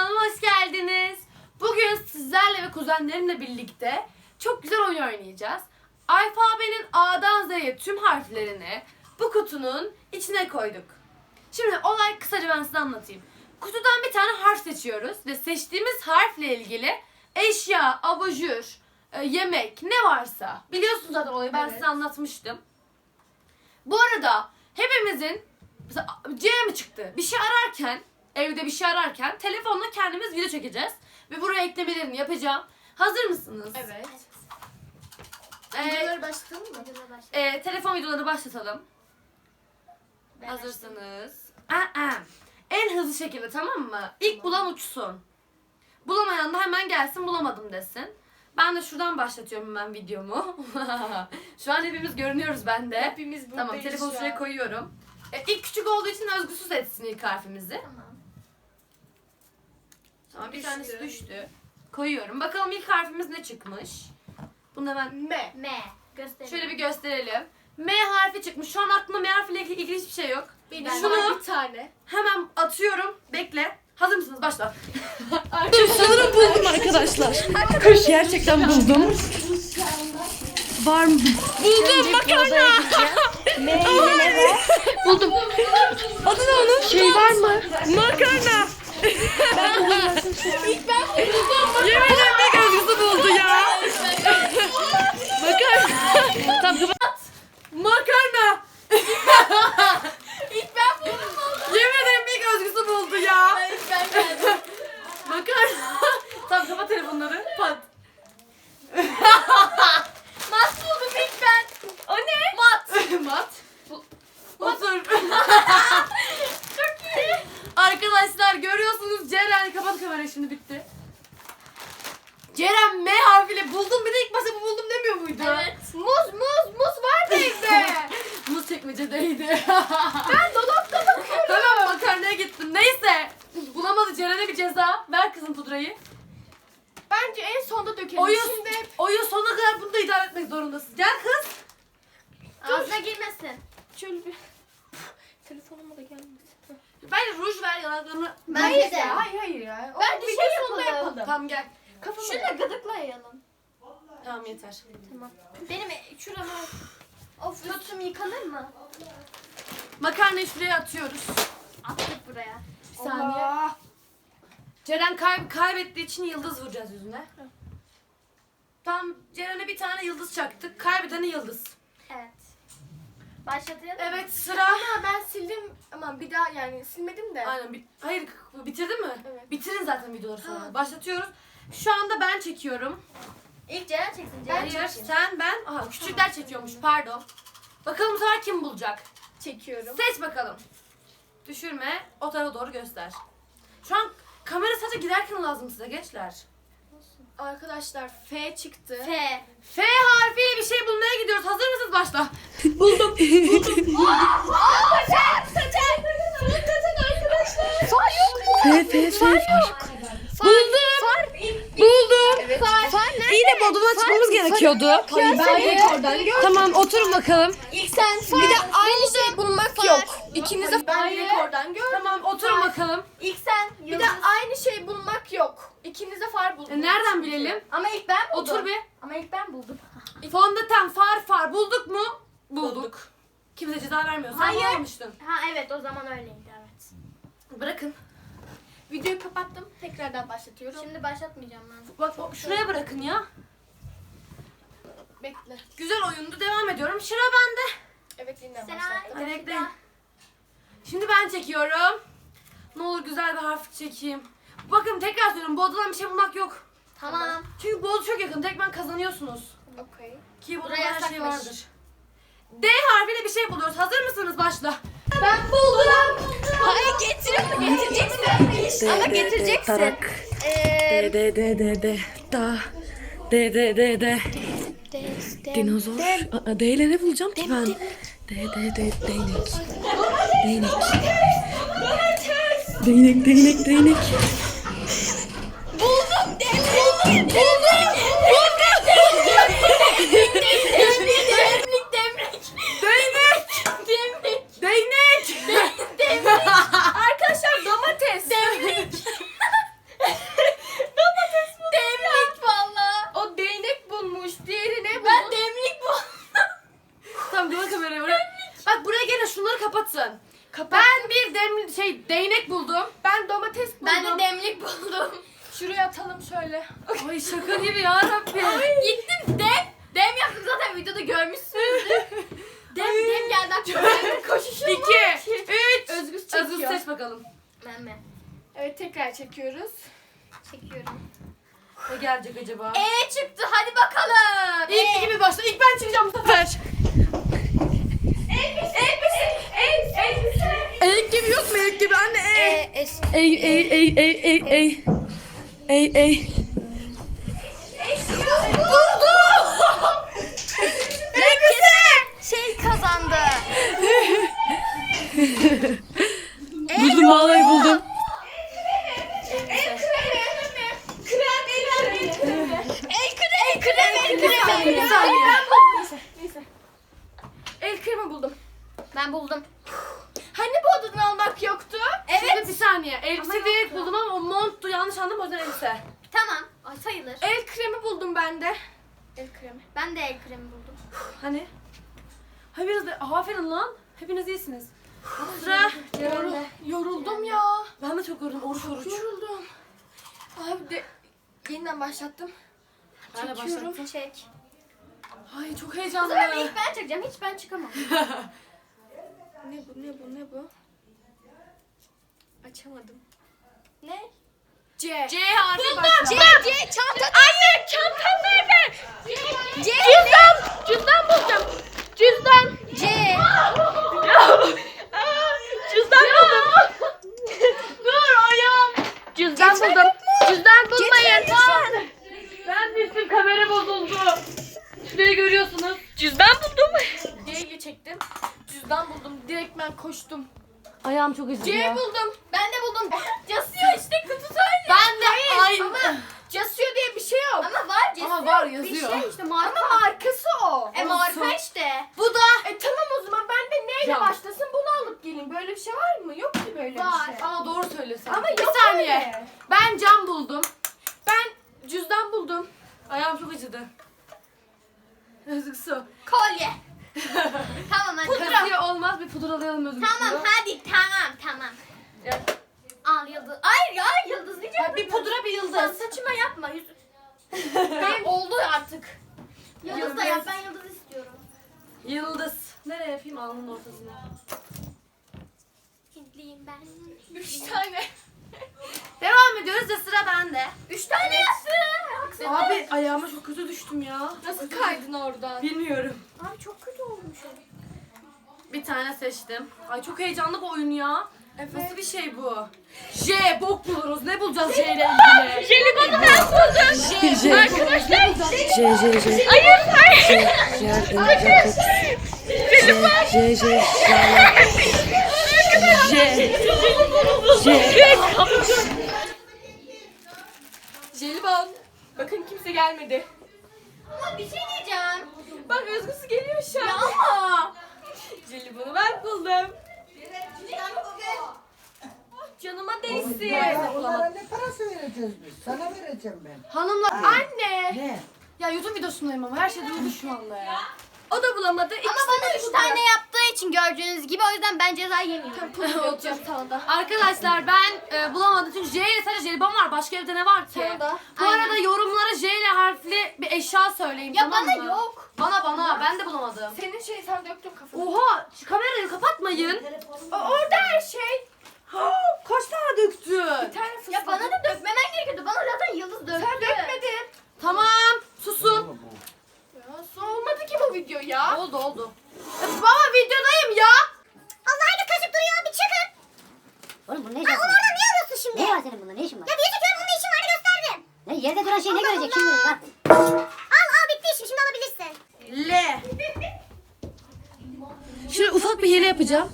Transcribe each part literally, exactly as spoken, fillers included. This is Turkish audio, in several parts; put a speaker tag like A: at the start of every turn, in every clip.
A: Kanalıma hoş geldiniz. Bugün sizlerle ve kuzenlerimle birlikte çok güzel oyun oynayacağız. Alfabenin A'dan Z'ye tüm harflerini bu kutunun içine koyduk. Şimdi olay kısaca ben size anlatayım. Kutudan bir tane harf seçiyoruz ve seçtiğimiz harfle ilgili eşya, abajur, yemek ne varsa biliyorsunuz zaten olayı ben
B: Evet.
A: size anlatmıştım. Bu arada hepimizin mesela C mi çıktı? Bir şey ararken, evde bir şey ararken telefonla kendimiz video çekeceğiz ve buraya eklemelerini yapacağım. Hazır mısınız?
B: Evet.
A: Ee,
B: Videoları başlatalım mı?
A: e, telefon videoları başlatalım.
B: Ben
A: Hazırsınız. Aa, en hızlı şekilde, tamam mı? İlk bulan uçsun. Bulamayan da hemen gelsin bulamadım desin. Ben de şuradan başlatıyorum hemen videomu. Şu an hepimiz görünüyoruz bende.
B: Hepimiz buradayız.
A: Tamam, telefonu
B: şu
A: şuraya
B: an.
A: koyuyorum. E, ilk küçük olduğu için özgüsüz etsin ilk harfimizi.
B: Tamam.
A: Tamam, bir
B: Düştü.
A: tanesi düştü. Koyuyorum. Bakalım ilk harfimiz ne çıkmış? Bunu da ben
B: M.
C: M. Gösterelim.
A: şöyle bir gösterelim. M harfi çıkmış. Şu an aklıma M harfiyle ilgili ilgili hiçbir şey yok.
B: Benim
A: Ben-
B: var
A: Şunu
B: bir tane.
A: hemen atıyorum. Bekle. Hazır mısınız? Başla.
D: Sanırım buldum arkadaşlar. Gerçekten buldum. Var mı? Buldum makarna. Buldum. Adı ne onun? Şey var mı? Makarna. İlk ben buldum. Yemin ederim bir gözlüsü buldu ya. Makarna. Tamam kapat.
A: Makarna.
B: İlk ben buldum.
A: Yemin ederim bir gözlüsü buldu ya.
B: İlk ben geldim.
A: Makarna. Tamam, kapat telefonları. Pat.
B: Mat buldum ilk ben.
A: O ne? Mat. Mat. Otur.
B: Çok iyi.
A: Arkadaşlar görüyorsunuz, Ceren kapat kamerayı, şimdi bitti. Ceren M harfiyle buldum, bir de ilk başta bu buldum demiyor muydu?
B: Evet. Muz muz muz vardı evde.
A: Muz çekmecedeydi.
B: Ben dolapta bakıyorum.
A: Tamam, makarnaya gittim. Neyse. Bulamadı, Ceren'e bir ceza. Ver kızım pudrayı.
B: Bence en sonda dökelim.
A: Oyun,
B: Şimdi
A: oyun sonuna kadar bunu da idare etmek zorundasın. Gel kız.
C: Ağzına girmesin.
B: şöyle bir telefonuma da gelmesin.
A: Bence ruj ver yanaklarını.
C: Bence de.
B: Hayır hayır ya.
C: Bence
B: Bir
C: şey
B: şey sonunda
C: yapalım.
B: yapalım.
A: Tamam gel.
B: Kafama
C: Şunu da gıdıklayalım.
A: Tamam, yeter.
C: Tamam. Benim şurama... Of üstüm yıkanır mı?
A: Makarnayı şuraya atıyoruz.
C: Attık buraya.
A: Bir saniye.
B: Allah.
A: Ceren kay kaybettiği için yıldız vuracağız yüzüne. Tam Ceren'e bir tane yıldız çaktık. Kaybedene yıldız.
C: Evet. Başlatayım.
A: Evet, sıra.
B: Ama ben sildim. Aman bir daha yani silmedim de.
A: Aynen. bi- Hayır, bitirdin mi?
B: Evet.
A: Bitirin zaten videoları sonra.
B: Ha.
A: Başlatıyoruz. Şu anda ben çekiyorum.
C: İlk Ceren çeksin. Ceren
A: Hayır,
C: çeksin.
A: sen, ben. Aha, küçükler çekiyormuş. Pardon. Bakalım bu sefer kim bulacak?
B: Çekiyorum.
A: Seç bakalım. Düşürme. O tarafa doğru göster. Şu an kamera sadece giderken lazım size gençler.
B: Arkadaşlar F çıktı.
C: F.
A: F harfiyle bir şey bulmaya gidiyoruz. Hazır mısınız? Başla.
D: Buldum.
C: Saçak! Saçak! Saçak arkadaşlar. Far yok mu?
D: F F F. Buldum. Buldum.
C: Far. Far nerede?
D: İyi de bodrumdan çıkmamız gerekiyordu.
B: Hayır ben direkt oradan gördüm.
D: Tamam, oturun bakalım.
B: İlk sen bir de aynı şey bulmak yok. İkiniz de ben
A: Hayır.
B: direkt oradan gördüm.
A: Tamam, oturun bakalım.
C: İlk sen.
B: Bir
C: Yıldız.
B: de aynı şey bulmak yok. İkiniz de far buldunuz.
A: E, nereden bilelim?
C: Ama ilk ben buldum.
A: Otur bir.
C: Ama ilk ben buldum.
A: Fondöten, far far bulduk mu? Bulduk. Kimse ceza vermiyor. Sen
C: Hayır.
A: bulamamıştın.
C: Ha evet o zaman öyleydi evet.
A: Bırakın.
B: Videoyu kapattım. Tekrardan başlatıyorum.
C: Şimdi başlatmayacağım ben.
A: Bak bak, şuraya bırakın ya.
B: Bekle.
A: Güzel oyundu. Devam ediyorum. Sıra bende.
B: Evet yeniden
C: Sen
B: başlattım.
A: Hadi bekleyin. Şimdi ben çekiyorum. Ne olur güzel bir harf çekeyim. Bakın tekrar söylüyorum. Bu odadan bir şey bulmak yok.
C: Tamam.
A: Çünkü bu oda çok yakın. Tek ben kazanıyorsunuz.
B: Okey.
A: Ki bu odada
C: Buraya
A: her şey
C: yasakmış.
A: vardır. D harfiyle bir şey buluyoruz. Hazır mısınız? Başla.
C: Ben buldum. Hayır getiriyorum. Getireceksin. Ama getireceksin.
D: Tarak.
C: Eee...
D: D D D D D. Da. D D D D. Dinozor. Aa, D ile ne bulacağım ki ben? D D D değnek. Değnek. Değnek değnek değnek.
C: Buldum. Buldum. Buldum. Demlik. Demlik.
A: Değnek!
C: Demlik.
A: Değnek!
C: Demlik.
B: Arkadaşlar domates.
C: Demlik.
A: şey değnek buldum.
C: Ben domates buldum.
B: Ben de demlik buldum.
C: Şuraya atalım şöyle.
A: Ay şaka gibi ya Rabbim.
B: Gittim dem. Dem yaptım zaten videoda görmüşsünüzdür. dem dem geldi aklıma. Koşuşum
A: İki,
B: var.
A: üç.
C: Özgür
A: Özgür
C: çekiyor.
A: seç bakalım.
B: Ben mi?
C: Evet tekrar çekiyoruz.
B: Çekiyorum.
A: Ne gelecek acaba?
B: E çıktı hadi bakalım.
A: İlk gibi başla. İlk ben çıkacağım bu sefer. Eğik gibi yok mu? Eğik gibi anne.
B: E,
A: Ey.
B: es.
D: Ey ey ey ey ey ey. Ey ey.
B: Şey kazandı.
D: Buldum vallahi buldum.
B: El kremi, kremi, kremi.
C: Bir saniye. Neyse, neyse. El kremi buldum.
B: Ben buldum.
C: Hani bu odadan almak yoktu?
A: Evet. Bir saniye. Elbise
C: Ama
A: değil
C: yoktu.
A: buldum ama o monttu. Yanlış anladım o yüzden elbise.
B: Tamam. Ay, sayılır.
C: El kremi buldum ben de. El kremi.
B: Ben de el kremi buldum.
A: Hani? Ha biraz da aferin lan. Hepiniz iyisiniz. Sıra.
C: Yorul, yoruldum ya.
A: Ben de çok yoruldum. Oruç oruç.
C: Yoruldum. Abi de yeniden başlattım.
A: Ben de
C: Çekiyorum.
A: başlattım.
B: Çek.
A: Ay çok
B: Bu
A: heyecanlı.
B: sefer de ilk ben çekeceğim. Hiç ben çıkamam.
C: Ne bu ne bu ne bu? Açamadım.
B: Ne?
C: C.
A: C harfi
B: C,
A: başla.
B: C, çanta. Anne, çantam nerede? C. Cüzdan. Cüzdan bulacağım. Cüzdan. C. Cüzdan buldum.
A: Dur ayağım.
B: Cüzdan buldum. Cüzdan bulmayın.
A: Ben düştüm kamera bozuldu. Şurayı görüyorsunuz.
B: Cüzdan buldum.
C: C'yi çektim. Cüzdan buldum. Direkt ben koştum.
A: Ayağım çok acıdı
C: C
A: ya.
C: buldum.
B: Ben de buldum. Casıyor işte kutu söyle.
A: Ben de aynı.
C: Ama Casio diye bir şey yok.
B: Ama var Casio.
A: Ama var,
B: Bir
A: yazıyor.
B: şey işte marka.
C: Ama markası o.
B: E marka işte.
A: Bu da.
C: E tamam o zaman ben de neyle
A: Ya.
C: başlasın bunu alıp geleyim. Böyle bir şey var mı? Yok ki böyle
B: Var.
C: bir şey.
A: Aa doğru söylüyorsun.
C: Ama
A: bir
C: yok
A: saniye.
C: öyle.
A: Ben cam buldum.
C: Ben cüzdan buldum.
A: Ayağım çok acıdı. Özgür su.
B: Kolye. Tamam hadi.
A: Kasiye olmaz bir pudralayalım Özgür
B: Tamam
A: su.
B: hadi tamam tamam.
A: Ya,
B: Al yıldız. Ay ya yıldız diyeceğim.
A: ya bir pudra bir
B: Sen
A: yıldız.
B: saçıma yapma. Yüz... Benim oldu artık. Yıldız da yap. Ben yıldız istiyorum.
A: Yıldız. Nereye yapayım? Alnının ortasına.
B: Hintliyim ben.
C: Üç tane.
A: Devam ediyoruz da sıra bende.
B: Üç tane yaptı. Haksız.
A: Abi ayağıma çok kötü düştüm ya.
C: Nasıl kaydın oradan?
A: Bilmiyorum.
B: Abi çok kötü olmuş o.
A: Bir tane seçtim. Ay çok heyecanlı bu oyun ya.
C: Evet.
A: Nasıl bir şey bu? J, bok buluruz. Ne bulacağız J ile ilgili?
B: Jelibonu ben buldum.
D: J. J
B: Arkadaşlar.
D: J J J.
B: Hayır hayır.
D: J J J. J. J.
C: Jelibon. Bakın kimse gelmedi.
B: Ama bir şey diyeceğim.
C: Bak Özgüsü geliyor şu an.
B: Ya ama.
C: Jelibonu ben buldum. Canıma değsin.
E: Onlara ne parası vereceğiz biz? Sana vereceğim ben.
A: Hanımlar. Anne.
E: Ne?
A: Ya YouTube videosundayım ama her şey durdu şu anda ya.
C: O da bulamadı.
B: Ama bana üç tane yaptığı için gördüğünüz gibi o yüzden ben ceza yemiyorum.
C: Pul yapacağım sana da.
A: Arkadaşlar ben e, bulamadım çünkü J ile sadece jelibon var. Başka evde ne var ki?
C: Sana da.
A: Bu
B: Aynen.
A: arada yorumlara J ile harfli bir eşya söyleyin.
B: Ya
A: tamam
B: bana
A: mı?
B: yok.
A: Bana bana ben de bulamadım.
C: Senin şey sen döktün kafana.
A: Oha şu kamerayı kapatmayın.
C: O, orada her şey.
A: Kaç tane döktün?
C: Bir tane fıstık.
B: Ya bana da dökmemen gerekiyordu. Bana zaten yıldız döktü.
C: Sen dökmedin.
A: Tamam susun.
C: Ya nasıl olmadı ki bu video ya?
A: Oldu oldu. Ya, baba videodayım ya.
B: Allah hadi kaşık duruyor bir çıkın.
F: Oğlum bu ne
B: Ay
F: işin
B: onu
F: var?
B: oradan niye alıyorsun şimdi?
F: Ne var senin bunda? Ne işin var?
B: Ya bir çekiyorum bunun işim vardı gösterdim.
F: Ne yerde duran şey ne görecek? Kim görecek? Bak.
B: Al al bitti işim şimdi alabilirsin.
A: L.
D: Şöyle ufak bir hile yapacağım.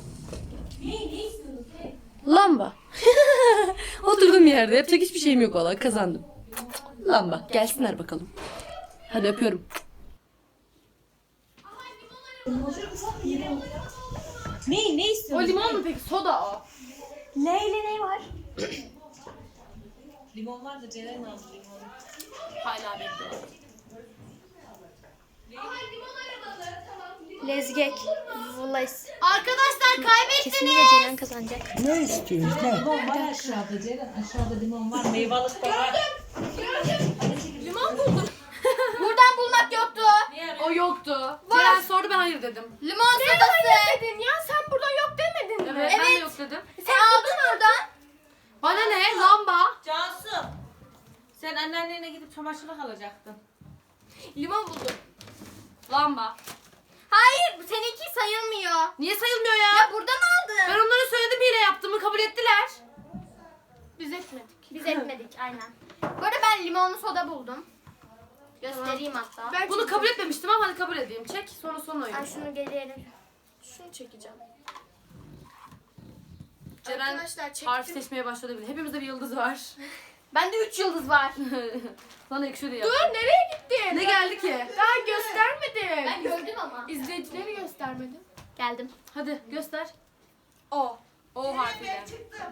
D: Lamba. Oturduğum yerde yapacak hiçbir şeyim yok valla kazandım. Lamba. Gelsinler bakalım. Hadi öpüyorum.
A: O limon mu peki? Soda o.
B: Neyle ne var?
A: Hala bekliyorum.
B: Lezgek. Vullays.
A: Arkadaşlar
B: Kesinlikle
A: kaybettiniz.
B: Ceren kazanacak.
E: Ne istiyorsun? Ne?
G: Limon var aşağıda Ceren. Aşağıda limon var. Meyvalık da var.
A: Limon buldum.
C: Buradan bulmak yoktu.
A: O yoktu. Ceren sordu ben hayır dedim.
C: Limon sodası.
B: Dedin ya sen burada yok demedin mi?
A: Evet, ben de yok dedim.
C: Sen aldın oradan.
A: Bana ne? Lamba.
G: Cansu. Sen anneannene gidip çamaşırlık alacaktın.
A: Limon buldum. Lamba.
C: Hayır, seninki sayılmıyor.
A: Niye sayılmıyor ya?
C: Ya buradan
A: Ben
C: aldın.
A: onlara söyledim hile yaptığımı kabul ettiler.
B: Biz etmedik.
C: Biz etmedik aynen. Bu arada ben limonlu soda buldum. Göstereyim hatta.
B: Ben
A: Bunu kabul etmemiştim ama hadi kabul edeyim. Çek sonra son oyun.
C: Ben şunu gelelim.
B: şunu çekeceğim.
A: Ceren
B: Arkadaşlar çektim.
A: harf seçmeye başladı bile. Hepimizde bir yıldız var.
C: Bende üç yıldız var.
A: Sana yakışıyor diye.
B: Dur nereye gittin?
A: Ne geldi ki?
B: Daha göstermedim.
C: Ben gördüm ama.
B: İzleyicileri göstermedim.
C: Geldim.
A: Hadi göster. O. O harfiyle.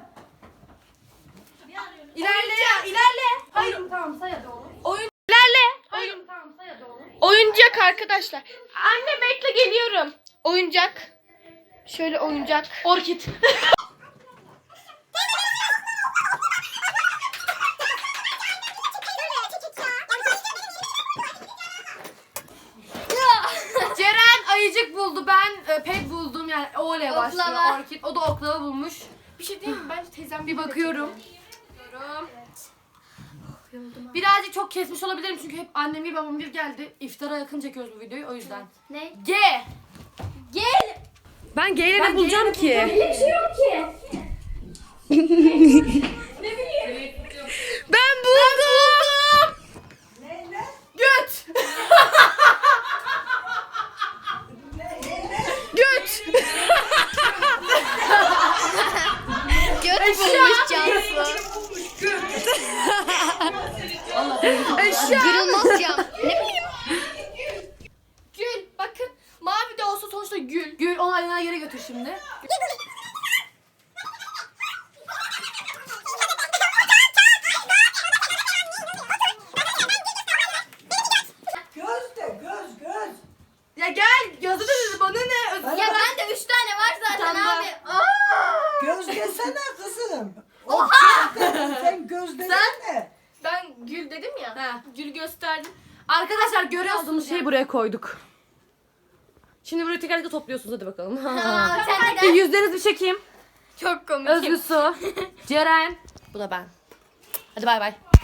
A: İlerle ya, ilerle. Hayır, tamam say hadi oğlum.
B: Oyun İlerle.
A: Hayır, tamam say hadi oğlum.
B: Oyuncak arkadaşlar. Anne bekle geliyorum. Oyuncak. Şöyle oyuncak.
A: Orkid. Ceren ayıcık buldu. Ben e, pet buldum. Yani O ile başlıyor.
C: Oklava.
A: Orkid. O da oklava bulmuş.
B: Bir şey diyeyim mi? Bence teyzem
A: Bir bakıyorum. Bakıyorum. Birazcık çok kesmiş olabilirim çünkü hep annem bir babam bir geldi. İftara yakın çekiyoruz bu videoyu o yüzden.
C: Ne?
A: G.
C: Gel.
D: Ben G ile ne bulacağım ki? Ben buldum.
A: Göt.
D: Göt.
B: Göt bulmuş Cansu. Kırılmaz cam. Ne bileyim. Gül. Bakın mavi de olsa sonuçta gül.
A: Gül onu aynen yere götür şimdi.
E: Göz de göz göz.
A: Ya gel yazı da dedi bana ne? Öz-
C: Ya bende üç tane var zaten
A: Tamam.
C: abi. Aa!
E: Göz desene kızım. Oha! Sen göz desene.
B: Ben gül dedim ya.
A: Ha.
B: Gül gösterdim.
A: Arkadaşlar görüyorsunuz
D: Şeyi buraya koyduk. Şimdi burayı tekrar tekrar topluyorsunuz hadi bakalım.
C: Aa, sen
A: Bir
C: neden?
A: yüzlerinizi bir çekeyim.
B: Çok komik.
A: Özgü Su, Ceren. Bu da ben. Hadi bay bay.